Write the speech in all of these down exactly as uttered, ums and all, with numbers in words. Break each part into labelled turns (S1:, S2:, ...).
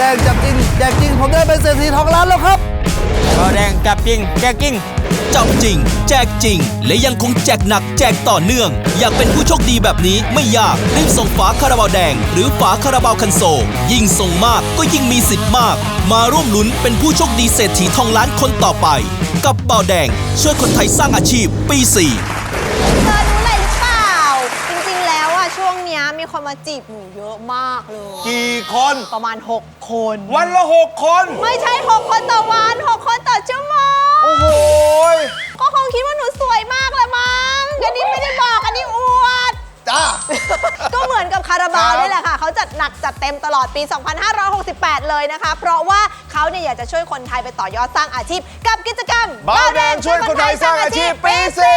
S1: ดงจับจริงแจกจริงผมได้เป็นเศรษฐีทองล้านแล้วครับ
S2: เบาแดงจับจริงแจกจริง
S3: จับจริงแจกจริงและยังคงแจกหนักแจกต่อเนื่องอยากเป็นผู้โชคดีแบบนี้ไม่ยากรีบส่งฝาคาราบาวแดงหรือฝาคาราบาวคันโซลยิ่งส่งมากก็ยิ่งมีสิทธิ์มากมาร่วมลุ้นเป็นผู้โชคดีเศรษฐีทองล้านคนต่อไปกับเบาแดงช่วยคนไทยสร้างอาชีพปีสี่
S4: เธอรู้อะไรหรือเปล่าจริงๆแล้วอะช่วงเนี้ยมีคนมาจีบหนูเยอะมากเลย
S5: กี่คน
S4: ประมาณหกคน
S5: วันละหกคน
S4: ไม่ใช่หกคนต่อวันหกคนต่อชั่วโมง
S5: โอ้โห
S4: ก็คงคิดว่าหนูสวยมากแหละมั้งอันนี้ไม่ได้บอกอันนี้อวด
S5: จ้า
S4: ก็เหมือนกับคาราบาวนี่แหละค่ะเขาจัดหนักจัดเต็มตลอดปี สองพันห้าร้อยหกสิบแปด เลยนะคะเพราะว่าเขาเนี่ยอยากจะช่วยคนไทยไปต่อยอดสร้างอาชีพกับกิจกรรม
S5: เบาแดงช่วยคนไทยสร้างอาชีพปีสี่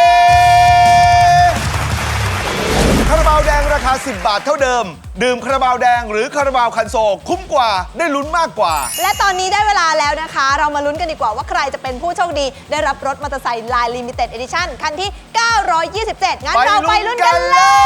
S5: คาราบาวแดงราคาสิบบาทเท่าเดิมดื่มคาราบาวแดงหรือคาราบาวคันโซลคุ้มกว่าได้ลุ้นมากกว่า
S4: และตอนนี้ได้เวลาแล้วนะคะเรามาลุ้นกันดีกว่าว่าใครจะเป็นผู้โชคดีได้รับรถมอเตอร์ไซค์ลายลิมิเต็ดเอดิชั่นคันที่เก้าร้อยยี่สิบเจ็ดงั้นเราไปลุ้นกัน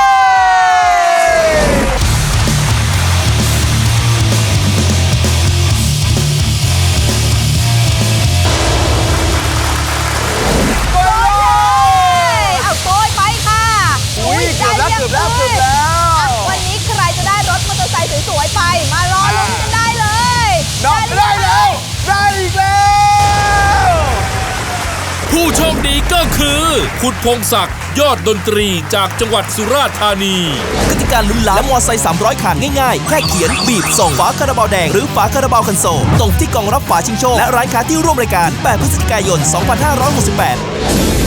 S4: เลยเอาโกยไปค่ะ
S5: อุ้ยเกือบแล้วเกือบแล้วเกือบแล้ว
S4: วันนี้ใครจะได้รถมอเตอร์ไซค์สวยๆไปมารอลุ้นกันได้เลย
S5: ได้แล้วได้อีกแล้ว
S6: ผู้โชคดีก็คือคุณพงศักดิ์ยอดดนตรีจากจังหวัดสุราษฎร์ธานี
S3: กติกาลุ้นล้านและมอไซค์สามร้อยคันง่ายๆแค่เขียนบีบส่งฝาคาราบาวแดงหรือฝาคาราบาวคันโซลตรงที่กล่องรับฝาชิงโชคและร้านค้าที่ร่วมรายการแปดพฤศจิกายนสองพันห้าร้อยหกสิบแปด